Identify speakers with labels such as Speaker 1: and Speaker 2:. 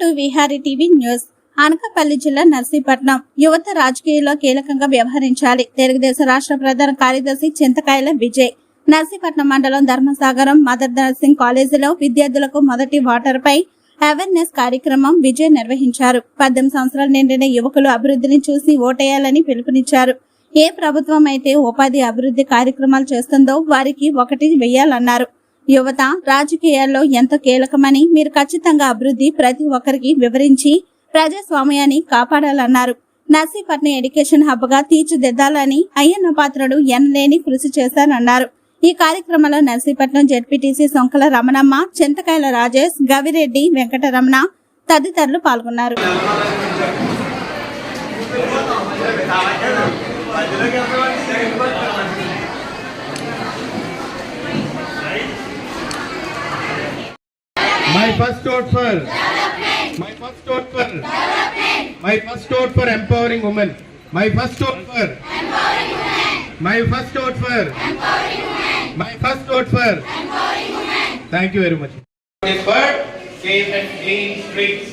Speaker 1: To Vihari TV news. Anakapalli జిల్లా నర్సీపట్నం యువత రాజకీయాల్లో కీలకంగా వ్యవహరించాలి. తెలుగుదేశం రాష్ట్ర ప్రధాన కార్యదర్శి చింతకాయల విజయ్ నర్సీపట్నం మండలం ధర్మసాగరం మదర్ నర్సింగ్ కాలేజీలో విద్యార్థులకు మొదటి వాటర్ పై అవేర్నెస్ కార్యక్రమం విజయ్ నిర్వహించారు. 18 సంవత్సరాలు నిండిన యువకులు అభివృద్ధిని చూసి ఓటేయాలని పిలుపునిచ్చారు. ఏ ప్రభుత్వం అయితే ఉపాధి అభివృద్ధి కార్యక్రమాలు చేస్తుందో వారికి ఒకటి వేయాలన్నారు. యువత రాజకీయాల్లో ఎంతో కీలకమని, మీరు ఖచ్చితంగా అభివృద్ధి ప్రతి ఒక్కరికి వివరించి ప్రజాస్వామ్యాన్ని కాపాడాలన్నారు. నర్సీపట్నం ఎడ్యుకేషన్ హబ్ గా తీర్చిదిద్దాలని అయ్యన్న పాత్రుడు ఎనలేని కృషి చేశారన్నారు. ఈ కార్యక్రమంలో నర్సీపట్నం జెడ్పీటీసీ సొంకల రమణమ్మ, చింతకాయల రాజేష్, గవిరెడ్డి, వెంకటరమణ తదితరులు పాల్గొన్నారు.
Speaker 2: My first vote for development. My first vote for development. My first vote for empowering women. My first vote for empowering women. My first vote for empowering women. My first vote for empowering women. Thank you very much.
Speaker 3: For safe and clean streets.